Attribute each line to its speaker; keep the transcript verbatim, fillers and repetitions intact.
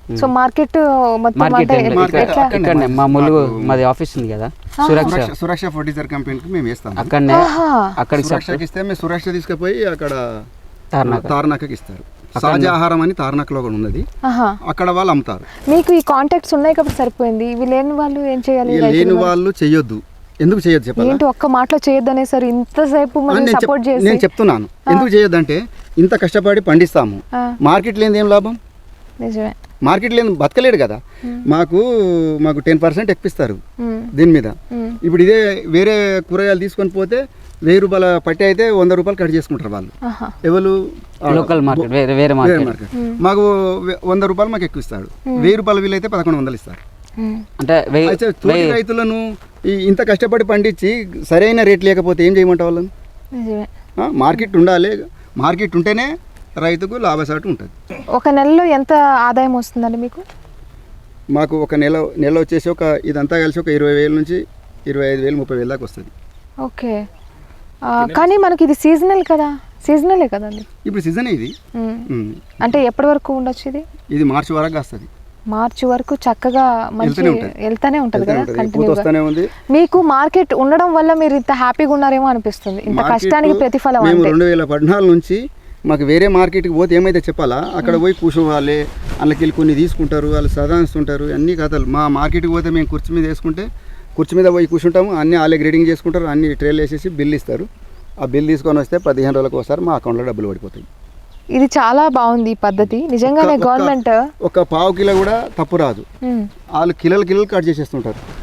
Speaker 1: So market మొత్తం
Speaker 2: market
Speaker 1: అంటే
Speaker 3: market
Speaker 1: ఎట్లా?
Speaker 3: అక్కడనే
Speaker 2: ఇక్కడనే మా ములుగు
Speaker 3: మాకు
Speaker 2: మాది ఆఫీస్ ఉంది కదా సురక్ష
Speaker 3: సురక్ష సురక్ష ఫర్టిలైజర్ కంపెనీకి మేము వేస్తాం.
Speaker 2: అక్కడనే
Speaker 1: ఆహా.
Speaker 2: అక్కడికి
Speaker 3: సురక్షకి ఇస్తే మేము సురక్ష తీసుకుపోయి అక్కడ
Speaker 2: తార్నాక.
Speaker 3: తార్నాకకి ఇస్తారు. సహజ ఆహారం అని తార్నాకలో కూడా ఉన్నది,
Speaker 1: ఆహా.
Speaker 3: అక్కడ వాళ్ళు అమ్ముతారు.
Speaker 1: మీకు ఈ కాంటాక్ట్స్ ఉన్నాయి కాబట్టి సరిపోయింది. ఇవి లేని వాళ్ళు ఏం చేయాలి?
Speaker 3: ఈ లేని వాళ్ళు చెయ్యొద్దు. ఎందుకు చేయొద్దు చెప్పాలి?
Speaker 1: ఏంటి ఒక్క మాటలో చేయొద్దనే సార్ ఇంతసేపు మనం
Speaker 3: నేను చెప్-
Speaker 1: సపోర్ట్ చేసి
Speaker 3: నేను చెప్తున్నాను ఎందుకు చేయొద్దంటే ఇంత కష్టపడి పండిస్తాము,
Speaker 1: ఆ.
Speaker 3: మార్కెట్ లేనిది ఏం లాభం?
Speaker 1: నిజమే.
Speaker 3: మార్కెట్ లేని బతకలేడు కదా. మాకు మాకు టెన్ పర్సెంట్ ఎక్కిస్తారు
Speaker 1: మ్మ్.
Speaker 3: దీని మీద.
Speaker 1: మ్మ్.
Speaker 3: ఇప్పుడు ఇదే వేరే కూరగాయలు తీసుకొని పోతే వెయ్యి రూపాయల పట్టి అయితే వంద రూపాయలు కట్ చేసుకుంటారు వాళ్ళు.
Speaker 1: ఆహా.
Speaker 3: ఎవరు
Speaker 2: లోకల్ మార్కెట్ వేరే వేరే
Speaker 3: వేరే
Speaker 2: మార్కెట్
Speaker 3: మార్కెట్. మాకు వె- వంద రూపాయలు మాకు ఎక్కువ ఇస్తాడు, వెయ్యి రూపాయల వీలు అయితే పదకొండు వందలు ఇస్తారు.
Speaker 1: మ్మ్.
Speaker 2: అంటే వెయ్యి-
Speaker 3: అయితే తోటి
Speaker 2: వెయ్యి-
Speaker 3: రైతులను ఈ ఇంత కష్టపడి పండించి సరైన రేట్ లేకపోతే ఏం చేయమంటావు వాళ్ళని?
Speaker 1: నిజమే.
Speaker 3: ఆ, మార్కెట్ ఉండాలి. మార్కెట్ ఉంటేనే రైతుకు లాభసాటు ఉంటుంది.
Speaker 1: ఒక నెలలో ఎంత ఆదాయం వస్తుందండి మీకు?
Speaker 3: మాకు ఒక నెల నెల వచ్చేసి ఒక ఇదంతా కలిసి ఒక ఇరవై వేల నుంచి ఇరవై ఐదు వేలు ముప్పై వేల దాకా వస్తుంది.
Speaker 1: ఓకే. ఆ, కానీ మనకి ఇది సీజనల్ కదా, సీజనలే కదండి.
Speaker 3: ఇప్పుడు సీజన్ ఇది.
Speaker 1: మ్మ్.
Speaker 3: ఉమ్.
Speaker 1: అంటే ఎప్పటి వరకు ఉండొచ్చు ఇది?
Speaker 3: ఇది మార్చి వరకు వస్తుంది.
Speaker 1: మార్చి వరకు చక్కగా మంచి
Speaker 3: వెళ్తూనే ఉంటుంది.
Speaker 1: వెళ్తానే ఉంటుంది కదా
Speaker 3: పూత
Speaker 1: కంటిన్యూగా.
Speaker 3: వస్తూనే ఉంది.
Speaker 1: మీకు మార్కెట్ ఉండడం వల్ల మీరు ఇంత హ్యాపీగా ఉన్నారేమో అనిపిస్తుంది. ఇంత
Speaker 3: మార్కెట్
Speaker 1: కష్టానికి ప్రతిఫలం
Speaker 3: మేము
Speaker 1: అంటే.
Speaker 3: రెండు వేల పద్నాలుగు నుంచి మాకు వేరే మార్కెట్కి పోతే ఏమైతే చెప్పాలా, అక్కడ పోయి కూర్చోవాలి, అందులోకి వెళ్ళి కొన్ని తీసుకుంటారు, వాళ్ళు సదాయిస్తుంటారు, అన్ని కథలు. మా మార్కెట్కి పోతే మేము కుర్చీ మీద వేసుకుంటే కుర్చీ మీద పోయి కూర్చుంటాము, అన్నీ వాళ్ళే గ్రేడింగ్ చేసుకుంటారు, అన్ని ట్రేలు వేసేసి బిల్ ఇస్తారు. ఆ బిల్ తీసుకొని వస్తే పదిహేను రోజులకు ఒకసారి మా అకౌంట్లో డబ్బులు పడిపోతాయి.
Speaker 1: ఇది చాలా బాగుంది ఈ పద్ధతి నిజంగానే.
Speaker 3: ఒక్క-
Speaker 1: గవర్నమెంట్
Speaker 3: ఒక పావు కిలో కూడా తప్పు రాదు. వాళ్ళు కిలోలు కిలోలు కట్ చేసేస్తుంటారు.